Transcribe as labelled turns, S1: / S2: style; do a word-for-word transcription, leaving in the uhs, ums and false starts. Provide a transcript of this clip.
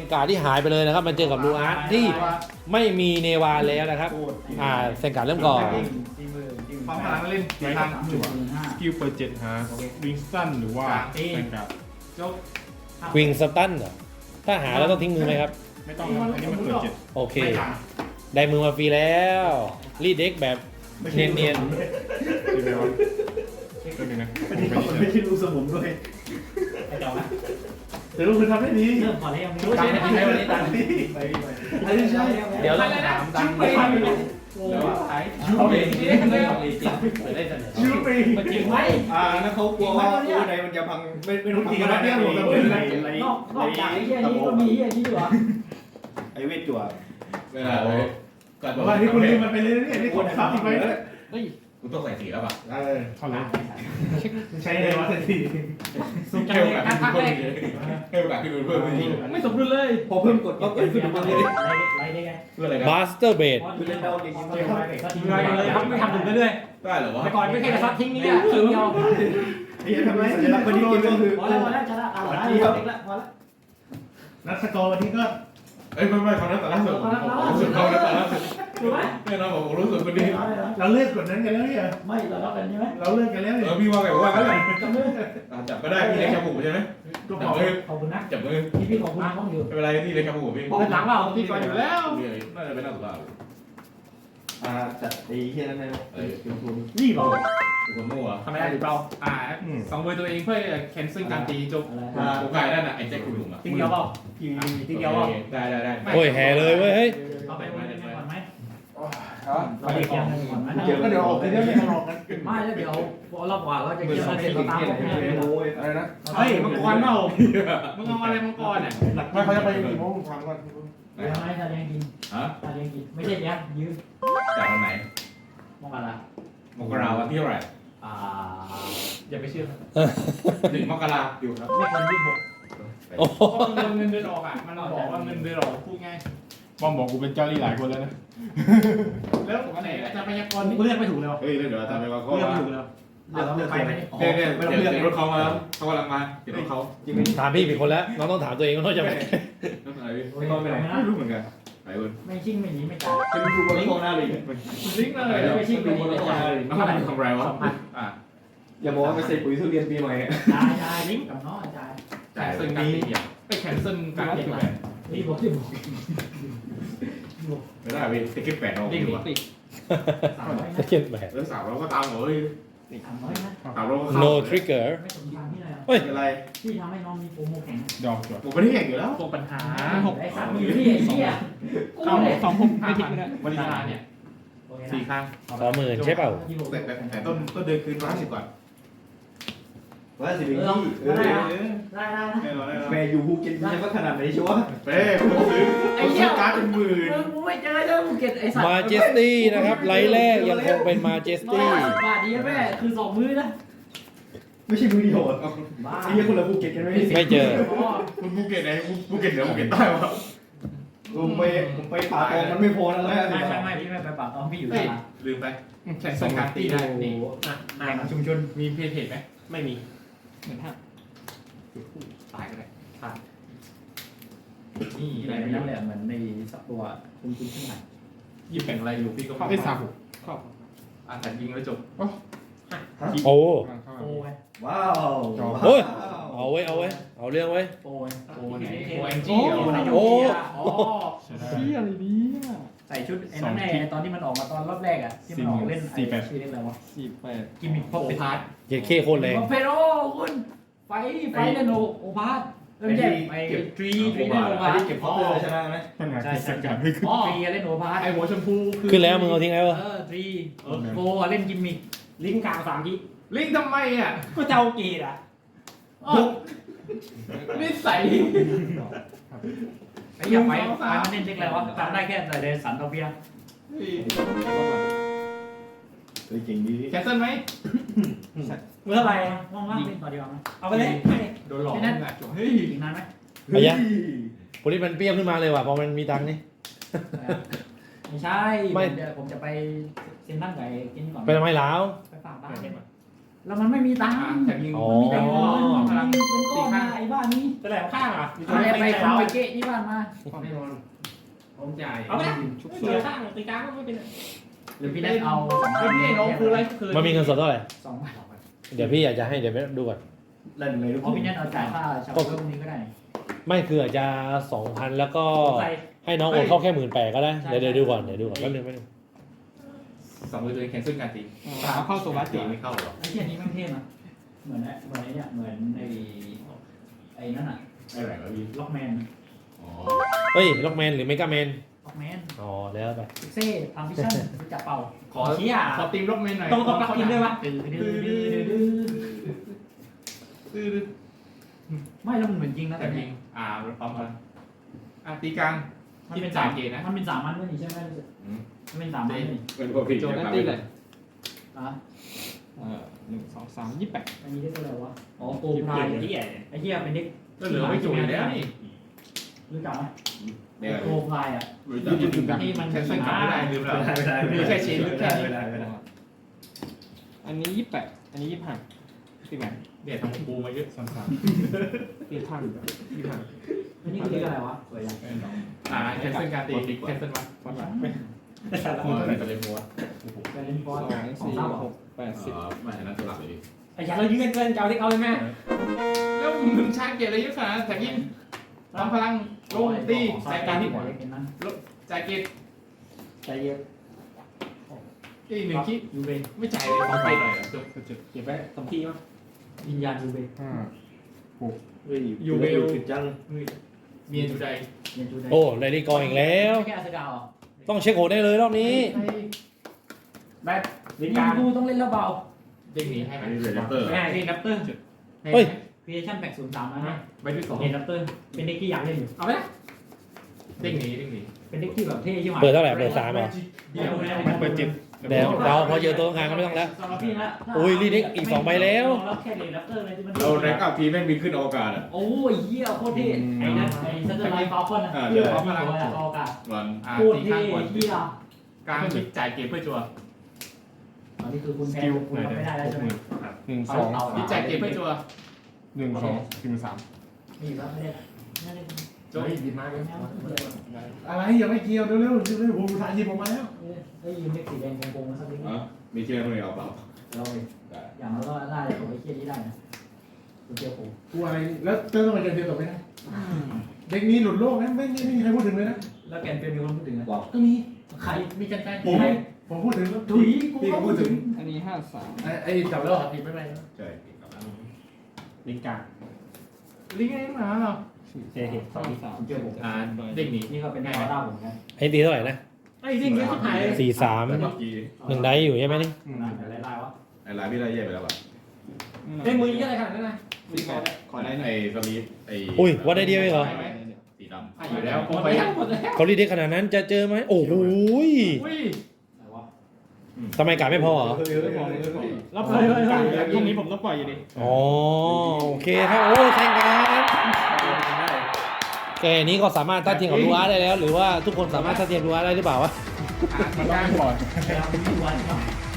S1: นการ์ดที่หายไปเลยนะครับมาเจอกับลูอาร์ตที่ไม่มีเนวาแล้วนะครับอ่าเซนการ์ดเริ่มก่อน
S2: ความพลังเล่นกี่ทางจั่วสกิลเปิดเจ็ดฮะวิงสันหรือว่าเป็นกับจบ
S1: ควิงสตันเหรอถ้าหาแล้วต้องทิ้งมือไหมครับ
S2: ไม่ต้องอันนี้มันเปิดเจ็ด
S1: โอเคได้มือมาฟรีแล้วรีดเด็กแบบเนียน
S2: ดีไหมวะก็ดีนะ
S3: ไม่ได้มันไม่ใช่ลูกสมุนด้วย
S4: ไอ้เจ้านะ
S3: แต่ลูกคุณทำได้ดี
S4: เริ่มก่อนแล้วยังไม่
S3: รู้
S4: รู้
S3: ใช่
S4: ใช่
S3: ไห
S4: ไห
S3: ม
S4: ม
S3: วันนี้ตังค์ดีไปไปไอ้ใช่
S1: ๆเดี๋ยวเราถามดัง
S4: ไปไป
S1: เขาเองที่ได้ไม่ของจริงเปิดได้เสนอ
S3: ยูปี
S4: มันจริงไหม
S3: อ่าแล้วเขากลัวว่าตู้ในมันจะพังไม่ไม่รู้จริงนะเนี่ยผมจะเป็นอะไร
S4: นอกนอกจากไอ้เหี้ยนี้ก็มีไอ้นี่ด้วย
S3: ไอ้เวทจั่ว
S5: เวลาเลยก่อน
S3: ว่าที่คุณลืมมันไปเลยเนี่ยนี่กดซ้ำอีกไปเลย
S5: กูต้องใส่สีแล้วป่ะ
S3: เออ
S2: เข้าเลย
S3: ใช้เลยวะทันที
S4: สุดใจ
S5: ให้โอกาส
S4: การพัก
S5: เพิ่
S4: แร
S5: ม
S4: ก
S5: ให้โอกาสที่มันเพิ่มขึ้นอีก
S4: ไม่สมดุลเลย
S3: พอเพิ่มกดก็เกิดขึ้นมาเลย
S4: ไรได้ไง
S5: เพื่ออะไรครับ
S1: บาสเตอร์เบด
S3: คือเล่นดาวเก่ง
S4: ก็ทิ้งเลยเลยครับไม่ทำถึงเรื่อย
S5: ได้เหรอ
S4: ๆ
S5: วะ
S4: แต่ก่อนไม่แค่กระซับทิ้งนี่อ่ะทิ้งเดียว
S3: ไอ้ยังทำไมสัญลักษณ์วันนี้กินก็คือ
S4: พอแล้วพอแล้วชนะอ่ะแล้วเด็กละพอแล้ว
S3: นักสกอร์วันนี้ก็
S5: เอ้ยไม่ไม่เขานั้นแต่ล่าสุดผมรู้สึกเขานั้นแต่ล่าสุด
S4: ถูกไหม
S5: แน่นอนผมรู้สึกคนดี
S3: เราเลิกกดนั้นกันแล้วเนี่ย
S4: ไม่เราล็อกกันใช่ไหม
S3: เราเลิกกันแล้ว
S5: เอ
S3: เนี่ย
S5: อพี่ว่าไงว่ากันเลย
S4: จับมือ
S5: จับก็ได้พี่เล็กชาบูใช่ไหม
S3: ก็
S5: จั
S3: บบ อก
S5: มือ
S4: ขอบคุณนะ
S5: จับมือ
S4: พี่พี่ขอบคุณต้องอยู่
S5: ไม่เป็นไรพี่เล็กชาบูพี่
S4: เปิดหลังเปล่า
S2: ที่ก่อนอยู่แล้ว
S5: น่าจะเป็นนักศึกษา
S3: อ่าจัดไอ้เฮียนั่นไงเออคุณคุณ
S4: นี่เปล่า
S5: คนมั่ว
S2: ทำไมได้หรือเปล่าอ่าสองเบอร์ตัวเองเพื่อแคนเซิลการตีจบ
S4: อะไร
S5: ผมกายนั่นน่ะไอ้แจ็คคุณหนุ่มอ่ะ
S4: ทีเดียวเปล่าทีเดียวเปล่า
S5: ได้ได้ได้
S1: โอ้ยแห่เลยเว้ยเฮ้ย
S4: เอาไปวันนี้ก่อนไหม
S3: ครับ
S4: เราจะเกี่ยวกันก่อนไหม
S3: เดี๋ยวก็เดี๋ยวออกไปเดี๋ยวเนี่ยหลอกกัน
S4: ไม่แล้วเดี๋ยวรอบกว่าเราจะเกี่ยวกันเสร็จเราตามพวกนี้เลย
S3: โอ้ยอะไรนะ
S2: เฮ้ยมังกรเปล่ามึงเอาอะไรมังกรอ่ะ
S3: ไม่เขาจะไปกี่โมงทำก่อน
S4: เดี๋ยวให้ตาแดงกิน
S5: ฮะ
S4: ตาแดงกินไม่ใช่เนี้ยยืม
S5: จากวันไหน
S4: มองอะไร
S5: มกราวันที่เท่าไหร่
S4: อ่า
S2: อย่าไปเชื่อ
S5: หนึ่งมกราอยู่ครับ
S4: ไม่เกินยี่สิบหก
S1: โอ้
S2: เพราะเงินเงินเดือนออกอ่ะมันบอกว่าเงินเดือนออกพูดง่ายบอมบอกกูเป็นเจ้าลี่หลายคนแล้วนะแล้วผมไหนอาจารย์พยากรณ์
S4: กูเลือกไม่ถูกเลย
S5: เฮ้ยเดี๋ยวอาจารย์ไปว่าเขา
S4: เลือก
S5: ว่า
S4: ไม่ถูกเลยเลือกเลือกไปไหม
S5: เนี่ยเนี่ยเดี๋ยวเดี๋ยวรถเขามาเขากำลังมาเดี๋ยวรถเขา
S3: จริงไหม
S1: ถามพี่ผิดคนแล้วน้องต้องถามตัวเองว่าน้องจะไป
S5: รถอะไรพี่ไม่รู้เหมือนกันไปคุณ
S4: ไม่ชิ่งไม่หนีไม่จ่าย
S3: จะไปดูบอลโลกหน้าเลย
S2: ลิงก์เลย
S4: ไม่ชิ่งไม่หนีไม่จ่าย
S5: น้ำมันทำไรวะอ่ะ
S3: อย่าบอกว่าไปใส่ปุ๋ยทุเรียนปีใหม่
S4: จ่ายจ่ายลิงก์กับน้องจ่าย
S5: จ่ายซึ่งนี้
S2: ไปแคนเซิลการตีแบบ
S4: นี่บอกที่บอก
S5: ไม่ได้พี่ติเก็ตแปดเอา
S2: ลิง
S5: ดี
S2: ก์
S5: กว่า
S2: ติด
S4: สามร้อย
S1: จะ
S4: นะ
S1: เขียนแบบ
S5: เออสาวเราก็ตามเลย
S4: สามร้อยนะ
S5: สาวเราก็
S1: no trigger
S4: ไม่สมทางที่ไหน
S1: เฮ้ย
S3: อะไร
S4: ที่ทำให้น้องมีโปรโมแข่ง
S2: ดอกจด
S5: ผมไม่ได้แข่งอยู่แล้ว
S2: ตัวปัญหา
S4: หกไอ้สามอยู่ที่ไอ้เหี้ยกู
S2: เอา
S4: เนี่ย
S2: สองหกห้าพันวันนี้เนี่ยสี่ครั้ง
S1: สองหมื่นใช่เปล่า
S5: แต่แต่แต่ต้นต้นเดือนคืนร้านสิบก่อน
S3: ว่าสิบิง
S4: เออ
S3: กี้เออ
S4: ได้ได้ได้นะ
S5: แน่นอนแน่นอน
S3: แม่อยู่ภูเก็ตยังว่าขนาดไหนชัวร์
S5: เป้ผมซื้อผมซื้อการ์ดเป็นหมื่น
S4: มึงกูไม่เจอเจ้าภูเก็ตไอ้สัตว์
S1: มาเจสตี้นะครับไลท์แรกยังคงเป็นมาเจส
S4: ร้อย
S1: ตี้
S4: ห้าสิบบาทดีแม่คือสองมื้อนะ
S3: ไม่ใช่มือเดียว
S4: บ้า
S3: ไอ้ยังคนละภูเก็ตกันไหม
S1: ไม่เจอ
S5: คุณภูเก็ตไหนภูเก็ตเหนือภูเก็ตใต้วะ
S3: ผมไปผมไปป่าตองมันไม่พอแล้ว
S4: ไม่ไม่ไม่พี่ไม่ไปปากตองพี่อยู่ตลาด
S5: ลืมไป
S2: แข่งส่งการตีได้นี่
S4: แหล่งชุมชน
S2: มีเพจเพจไหมไม่มีเหมือนท่าตายก็ได้
S4: นี่ไหนไม่รู้เลยเหมือนในสักตัวคุณคุณขึ้นมา
S2: ยิบแบ่งอะไรอยู่พี่ก็ไม่ทราบครอบอ่านแต่ยิงแล้วจบ
S1: โอ้
S4: โอ้ย
S3: ว้าว
S1: โอ้ยเอาไว้เอาไว้เอาเรื่องไว้
S4: โอ้ย
S2: โอ้ไหนโอเอ็นจี
S4: โอ้
S2: เหรอ
S4: โอ้อ๋อ
S2: เชี่ยอะไรเนี่ย
S4: ใส่ชุดไอ้นั่นแน่ตอนที่มันออกมาตอนรอบแรกอ่ะที่มันออกเล่นไอ้ชื่อเล่นอะไรวะ
S2: สี่แปด
S4: กิมมิคพอเป็น
S2: พาร์ท
S1: เจ็ดเคโคตรแรง
S4: เพโรคุณไฟไฟเล่นโอโอพาร์ตเริ่มแยกไอ้ทรีทรีเล่นโอพาร์ต
S3: เก็บพอเตอร์ชนะไหม
S2: ปัญหา
S4: ใช่
S2: คือ
S4: ใช่
S2: สังกัดไม่ขึ้น
S4: ทรีเล่นโอพาร์ต
S2: ไอหัวชมพูคือ
S1: ขึ้นแล้วมึงเอาทิ้งไว้ปะ
S4: เออทรีโฟเล่นกิมมิคลิงกลางสามที
S2: ลิงทำไมอ่ะ
S4: ก็เจ้ากีดอ่ะ
S2: นิสัย
S4: ไอ้ยังไฟไฟมันเล่นเล็กแล้วจำได้แค่แต่เดสันโตเปีย
S3: เก่งดี
S2: แคนเซิลไหม
S4: เมื่อไรว่างๆเล่นต่อดีกว่าเอาไปเลย
S2: โดนหลอกอ่ะเฮ้ย
S4: อีกนานไหม
S1: ไปยังโพลิสมันเปรี้ยวขึ้นมาเลยว่ะพอมันมีตังค์นี่
S4: ไม่ใช่ผมจะผมจะไปเซ็นนั่งไก่กินก่อน
S1: ไปทำไมล้าว
S4: ไปฝากบ้าน
S2: ไ
S4: แล้วมันไม่มีตังค์
S2: อ่ะแต่ยิง
S1: อ๋อ
S4: มันมีแต่เงิน
S2: อ๋อ
S4: มันมีเป็นก้อนมาไอ้บ้านนี้
S2: แสลบข้างอ่ะ
S4: เอาไปไปเอาไปเกะที่บ้านมา
S5: แน่นอนผมจ่าย
S2: เอาไปนะเสียข้างตีกลางก็ไม่เป็นไร
S4: หรือพี่ได้เอา
S2: ไม่พี่น้องคืออะไรคือ
S1: มันมีเงินสดเท่าไหร่
S4: สองบาท
S1: เดี๋ยวพี่อยากจะให้เดี๋ยวไปดูก่อน
S3: เล่นเลยทุก
S4: อ๋อพี่นัทเอาจ่ายค่าชาวเพิ่มนี้ก็ได้
S1: ไม่คืออาจจะสองพันแล้วก็
S2: ใส่
S1: ให้น้องโอนเข้าแค่หมื่นแปดก็ได้เดี๋ยวเดี๋ยวดูก่อนเดี๋ยวดูก่อนแป๊บนึงแป๊บนึง
S5: สองมือตัวเองแคนเซิลการตี
S2: สาวเข้าโซบัส
S5: ตี
S2: ตี
S5: ไม่เข้าหรอ
S4: ไอ้ที่อันนี้ไม่เท่นะเหมือนไอ้เหมือนไอ้เนี่ยเหมือนไอ้ไอ้นั่นอะ
S5: ไอ้ไหนวะพี่
S4: ล็อกแมน
S5: อ๋อ
S1: เฮ้ยล็อกแมนหรือเมกาแมน
S4: ล็อกแมน
S1: อ๋อแล้วไป
S4: พิกเซ่ทำพิชชั่นรู้จักเป่า
S2: ขอ
S4: เชี่ย
S2: ขอตีมล็อกเมนหน่อย
S4: ต้องต้องปลักอินด้วยวะดื้อดื้อดื้อดื้อดื้อ
S2: ตื้อ
S4: ไม่แล้วมันเหมือนจริงนะ
S2: แต่
S4: แต่
S2: ยิ
S4: เนี่ย
S2: งอ่าปั๊มมาอ่ะตีกลาง
S4: มันเป็น
S2: จ่า
S4: สาย ม
S2: เกณฑ์นะ
S4: มันเป็นสามมันด้วยนี่ใช่ไหมมันเป็นสามมันนี่
S5: เป็นพวกพี่
S2: โจ
S5: จะ
S2: นัต
S5: พาไป
S2: ตี้เลย
S4: อ่ะ
S2: เออหนึ่งสองสามยี่แปด
S4: อันนี้เรียกว่าอะไรวะอ๋อโปรพรายไอ้เหี้ยไอ้เหี้ยเป็นเด็ก
S2: ก็เหลือไม่จุยแล้วนี่
S4: รู้จักไหม
S5: เนี่ย
S4: โปรพรายอ่ะ
S5: รู้จัก
S2: ยืนอยู่กันแคนเซิลกลับไม่ได้ลืมแล้ว
S3: ไม่ได้ไม่ได้
S2: มีแค่ชิ้นแค่นี้
S3: ไม่ได้ไม่ได้
S6: อันนี้ยี่แปดอันนี้ยี่ห้าสิบแปด
S2: เนี่ยทำปูมาเยอะสัม
S6: สี่พันยี่ห้า
S4: อันนี้คือเรียกอะไรวะสวยจัง
S2: อ่าแคนเซิลการตีแคนเซิลมา
S6: ฟันหลัง
S5: อ๋อแต่จะเล่นมัว
S4: ไปเล่นบอ
S6: ส
S4: ล
S6: อง
S4: ของ
S6: สี่
S4: เศร้า
S6: หกแปดสิบ
S5: อ๋อไม่อันนั้นสลับเลยดิ
S6: ไอ้ยาเรายืนเกินเจ้าที่เขาเลยแม่
S2: แล้วมึงชาเกียร์อะไรเยอะขนาดนั้นแต่ยิงทำพลังลงตีใส่การที่
S4: หัวเล็กนั้น
S2: จ่ายเกียร์
S4: ใจเย็น
S2: อีกหนึ่งคิด
S4: ยูเบ
S2: ไม่จ่ายเลยขอไปหน่อยจบ
S6: เก็บไว้สองที่มั้ง
S4: วิญญาณยูเบ
S6: ห้า
S3: เฮ้ย
S2: ยูเวล
S3: ติดจัง
S2: เมียจูได
S4: เรียนยูเบ
S1: โอ้ไดรี่กองอีกแล้ว
S4: แค่อาสกาว
S1: ต้องเช็คโหดได้เลยรอบนี้
S6: แบทลิ
S4: นี่
S6: กา
S4: กูต้องเล่นแล้วเบา
S2: เด้งหนีให้ไหม
S5: อันนี้เรนเตอร์
S6: ง่ายที่นับเตอร์
S1: เฮ้ย
S4: ครีเอชั่นแปดศูนย์สามนะ
S2: ใบที่สอง
S4: เรียนนับเตอร์เป็นเด็กที่อยากเล่นอยู่
S6: เอาไปนะ
S2: เด้งหนีเด้งหนี
S4: เป็นเด็กที่แบบเท่ใช่ไหม
S1: เปิดเท่าไหร่เปิดสามเหรอ
S2: เดี๋ยว
S6: เปิดจิต
S1: เดี๋ยวเราพอเจอตัวกลางก็ไม่ต้องแล้ว
S4: สำหรับพี่นะ
S1: อุ้ยรีเด็กอีกสองใบแล้ว
S4: แล้วแค่เรียนนับเตอร์เลยที่มัน
S5: เราแรงกับทีแม่งบินขึ้นอวกาศอ่ะ
S4: โอ้ยเหี้ยโคตรเท่ไอ้นั่นไอ้ซัตเตอร์ไลท์ฟาลคอนนะ
S5: อ่า
S4: เพื่อความพลังออกาศ
S5: วัน
S2: อ่า
S4: โคตร
S2: ตี
S4: เท่
S2: ข้างก่อน
S4: เหี้ย
S2: กลางคิดจ่ายเกมเพื่อจัว
S4: อันนี้คือคุณแพ้คุณทำไม่ได้แล้วใช่ไหม
S6: หนึ่งสอง
S2: คิดจ่ายเกมเพื่อจัว
S6: หนึ่งสองสี่สาม
S4: นี่ครับไม่ได้ไม่ได้
S2: จบดีมากเลย
S3: อะไรยังไม่เกี่ยวเร็วๆเร็วๆผมถ่ายยิบออกมาแล้ว
S4: เอ้ยยืมเล็กสีแดงโกงๆมาสักนิด
S5: อ๋อมีเชื่อไหมเอาเปล่า
S4: เราอย่างเราก็ได้ผมไอ้เคียนี้ได้นะคุณเจียวผม
S3: กูอะไรแล้วเจอต้องมาเจอเดียวต่อไปนะเด็กนี้หลุดโลกนะไม่ไม่ไม่มีใครพูดถึงเลยนะ
S4: แล้วแกนเป็นมีคนพูดถึงนะ
S3: ก็มี
S4: ใครมีกันแฟน
S3: ผมผมพูดถึงแล้ว
S4: ถุยกู
S3: พี่
S4: ก็
S3: ก็
S4: พู
S3: พู
S4: ด
S3: ด
S4: ถึ
S3: ถึ
S4: ง
S3: ง
S6: อันนี้ห้าสาม
S3: ไอ้ไอ้จับแล้วผิดไม่เป็นไร
S5: ใช่กับแล้ว
S6: ลิกา
S2: ลิงก์ไอ้หมาเหรอ
S4: เจ๊เห็นสองสามเจียวผม
S2: อ่าเด้งหนี
S4: นี่ก็เป็นแนวด้าผมนะ
S1: ไอ้ตีเท่าไหร่นะ
S2: ไอ้เด้งเยอะที่ไหน
S1: สี่สาม
S5: แต่เมื่อกี้
S1: หนึ่งได้อยู่ใช่ไหมนี่
S4: อะไรไล่วะ
S5: ไอ้ร้านพี่ได้แย่ไปแล้วอ่ะ
S6: เอ้ยมือยี่อะไรขนาดนั้นนะ
S2: ขอขอได้หน่อย
S5: ไอ้สลีปไอ้
S1: อุ้ยวัดได้เดียวเองเหรอ
S5: สีดำ
S2: ให้อยู่แล้วผม
S6: หมด
S2: ไป
S6: แล้วหมดแล้ว
S1: เขารีเด็กขนาดนั้นจะเจอไหมโอ้โหย
S2: อุ้ย
S4: อะไรวะ
S1: ทำไมการไม่พอเหรอ
S6: แล้วผมพรุ่งนี้ผมต้องปล่อยอยู่ดี
S1: อ๋อโอเคครับโอ้ยแข่งกันแกนี้ก็สามารถต้านเทียมกับลูอาร์ได้แล้ว หรือว่าทุกคนสามารถต้านเทียมลูอาร์ได้หรือเปล่าวะ
S2: อ่าตีกลางก่อน
S4: แล้วมีวัน